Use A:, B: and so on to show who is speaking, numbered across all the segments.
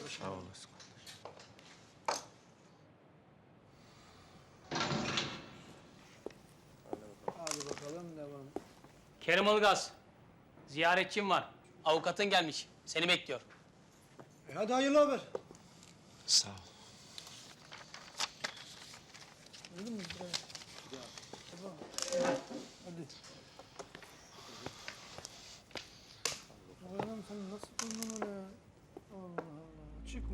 A: kardeşim.
B: Sağ olasın.
A: Hadi bakalım devam.
C: Kerim Ilgaz, ziyaretçim var. Avukatın gelmiş, seni bekliyor.
A: Hadi hayırlı haber.
B: Sağ ol.
A: Öyle mi? Tamam. Hadi. Oğlum sen nasıl buldun öyle ya? Allah Allah. Çıkma.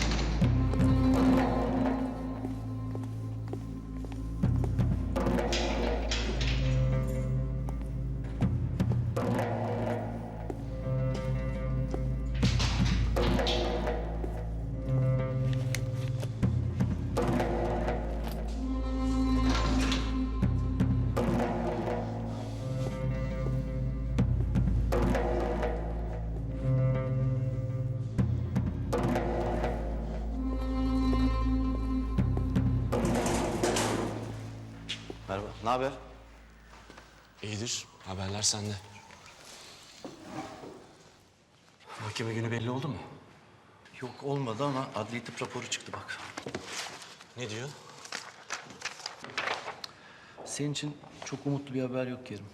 B: Merhaba. Ne haber? İyidir. Haberler sende. Mahkeme günü belli oldu mu?
D: Yok olmadı ama adli tıp raporu çıktı bak.
B: Ne diyor?
D: Senin için çok umutlu bir haber yok Kerim.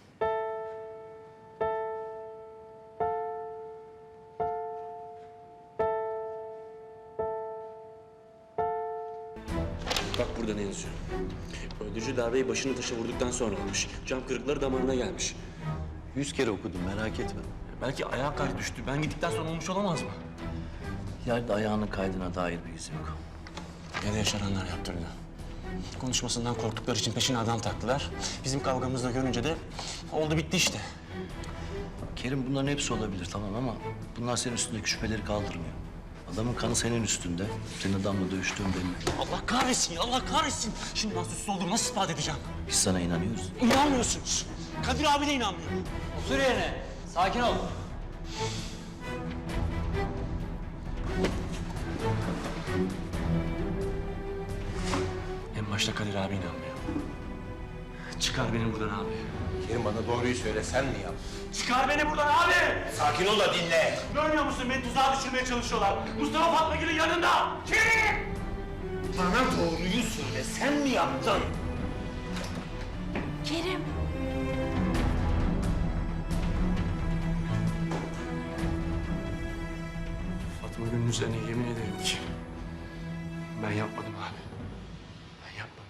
E: Bak burada ne yazıyor. Öldürücü darbeyi başını taşa vurduktan sonra almış. Cam kırıkları damarına gelmiş.
D: 100 kere okudum merak etme.
E: Belki ayağa kaydı düştü. Ben gittikten sonra olmuş olamaz mı?
D: Yerde ayağının kaydına dair bir iz yok.
B: Ya da yaşananlar yaptırdı. Konuşmasından korktukları için peşine adam taktılar. Bizim kavgamızda görünce de oldu bitti işte.
D: Kerim bunların hepsi olabilir tamam ama bunlar senin üstündeki şüpheleri kaldırmıyor. Adamın kanı senin üstünde. Senin adamla dövüştüğün belli.
B: Allah kahretsin ya, Allah kahretsin. Şimdi ben suçsuz olduğumu nasıl ispat edeceğim?
D: Biz sana inanıyoruz.
B: İnanmıyorsunuz. Kadir abi de inanmıyor.
C: Otur yerine, sakin ol.
B: En başta Kadir abi inanmıyor. Çıkar beni buradan abi.
F: Kerim bana doğruyu söyle, sen mi yaptın?
B: Çıkar beni buradan abi!
F: Sakin ol da dinle.
B: Görmüyor musun? Beni tuzağa düşürmeye çalışıyorlar. Mustafa Fatmagül'ün yanında. Kim?
F: Bana doğruyu söyle, sen mi yaptın?
G: Kerim.
B: Fatma Gül'ün üzerine yemin ederim ki ben yapmadım abi. Ben yapmadım.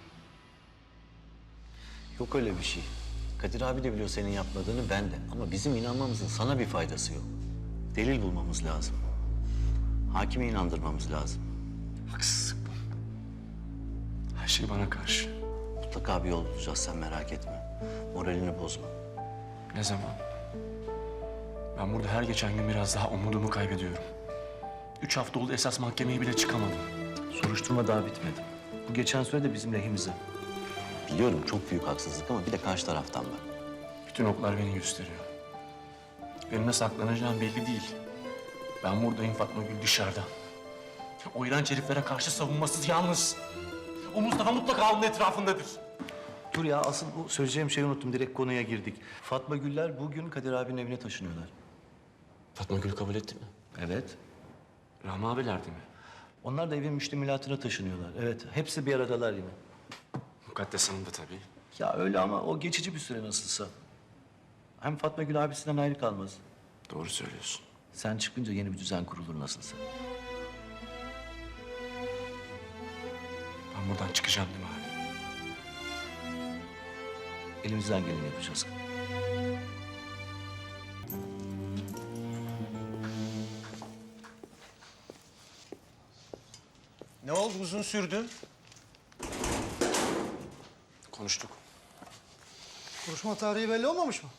D: Yok öyle bir şey. Kadir abi de biliyor senin yapmadığını ben de. Ama bizim inanmamızın sana bir faydası yok. Delil bulmamız lazım. Hakimi inandırmamız lazım.
B: Haksızlık bu. Her şey bana karşı.
D: Mutlaka bir yol bulacağız sen merak etme. Moralini bozma.
B: Ne zaman? Ben burada her geçen gün biraz daha umudumu kaybediyorum. 3 hafta oldu esas mahkemeye bile çıkamadım.
D: Soruşturma daha bitmedi. Bu geçen süre de bizim lehimize. Biliyorum çok büyük haksızlık ama bir de karşı taraftan var.
B: Bütün oklar beni gösteriyor. Benim nasıl saklanacağım belli değil. Ben buradayım, Fatma Gül dışarıda. O iğrenç heriflere karşı savunmasız yalnız. O Mustafa mutlaka onun etrafındadır.
D: Dur ya asıl bu söyleyeceğim şeyi unuttum. Direkt konuya girdik. Fatma Güller bugün Kadir abinin evine taşınıyorlar.
B: Fatma Gül kabul etti mi?
D: Evet.
B: Rahmi abilerdi mi?
D: Onlar da evin müştemilatına taşınıyorlar. Evet. Hepsi bir aradalar yine.
B: Mukaddes Hanım da tabii.
D: Ya öyle ama o geçici bir süre nasılsa. Hem Fatma Gül abisinden ayrı kalmaz.
B: Doğru söylüyorsun.
D: Sen çıkınca yeni bir düzen kurulur nasılsa.
B: Ben buradan çıkacağım değil mi abi?
D: Elimizden geleni yapacağız.
F: Ne oldu, uzun sürdü?
B: Konuştuk.
A: Konuşma tarihi belli olmamış mı?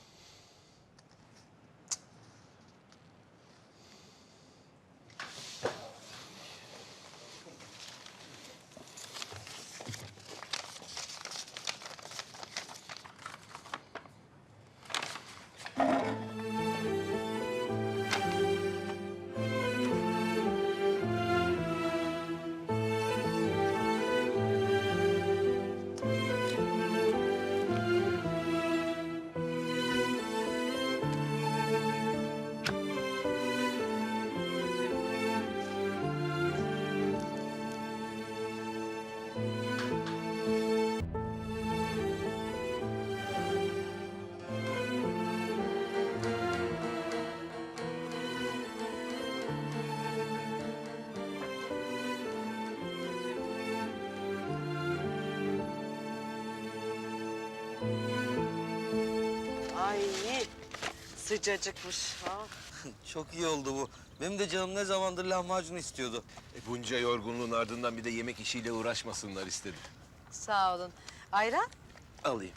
G: Ay sıcacıkmış. Ha.
H: Çok iyi oldu bu. Benim de canım ne zamandır lahmacun istiyordu.
F: Bunca yorgunluğun ardından bir de yemek işiyle uğraşmasınlar istedim.
G: Sağ olun. Ayran?
F: Alayım.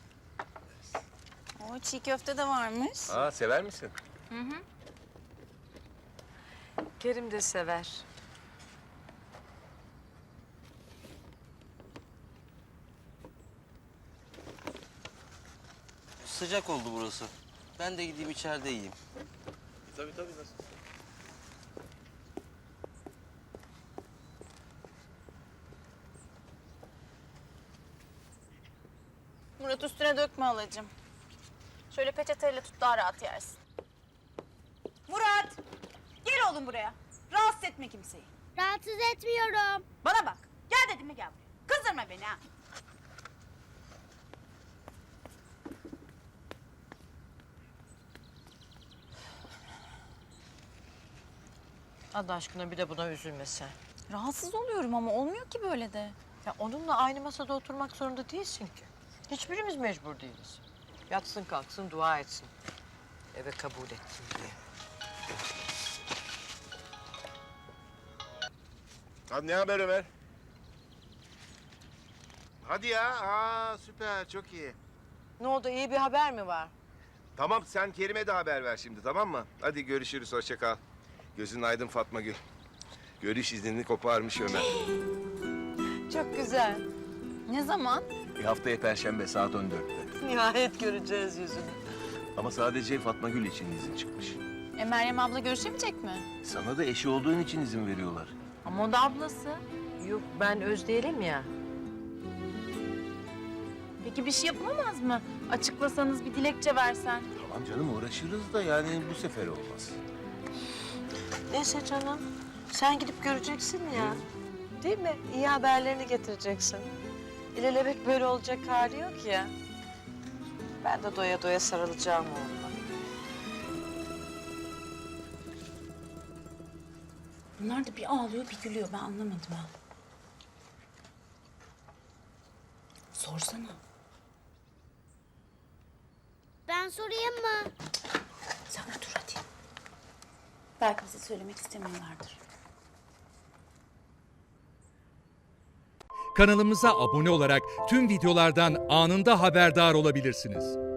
I: O çiğ köfte de varmış.
F: Aa, sever misin?
G: Kerim de sever.
H: Sıcak oldu burası. Ben de gideyim içeride yiyeyim.
F: Tabii nasıl?
I: Murat üstüne dökme halacığım. Şöyle peçeteyle tut daha rahat yersin. Murat! Gel oğlum buraya. Rahatsız etme kimseyi.
J: Rahatsız etmiyorum.
I: Bana bak. Gel dedim mi gel buraya. Kızdırma beni ha.
G: Allah aşkına bir de buna üzülme sen.
I: Rahatsız oluyorum ama olmuyor ki böyle de.
G: Ya onunla aynı masada oturmak zorunda değilsin ki. Hiçbirimiz mecbur değiliz. Yatsın kalksın dua etsin. Eve kabul ettim diye.
F: Hadi ne haber Ömer? Hadi ya. Aa, süper. Çok iyi.
G: Ne oldu, iyi bir haber mi var?
F: Tamam, sen Kerim'e de haber ver şimdi, tamam mı? Hadi görüşürüz. Hoşça kal. Gözün aydın Fatma Gül. Görüş iznini koparmış Ömer.
G: Çok güzel.
I: Ne zaman?
F: Haftaya Perşembe saat 14'te.
G: Nihayet göreceğiz yüzünü.
F: Ama sadece Fatma Gül için izin çıkmış.
I: Meryem abla görüşemeyecek mi?
F: Sana da eşi olduğun için izin veriyorlar.
I: Ama o da ablası.
G: Yok ben Özdeğilim ya.
I: Peki bir şey yapılamaz mı? Açıklasanız bir dilekçe versen.
F: Tamam canım, uğraşırız da yani bu sefer olmaz.
G: Neyse canım. Sen gidip göreceksin ya. Değil mi? İyi haberlerini getireceksin. İlelebet böyle olacak hali yok ya. Ben de doya doya sarılacağım oğluma.
I: Bunlar da bir ağlıyor bir gülüyor ben anlamadım ha. Sorsana.
J: Ben sorayım mı?
I: Sen otur hadi. Belki bize söylemek istemiyorlardır.
K: Kanalımıza abone olarak tüm videolardan anında haberdar olabilirsiniz.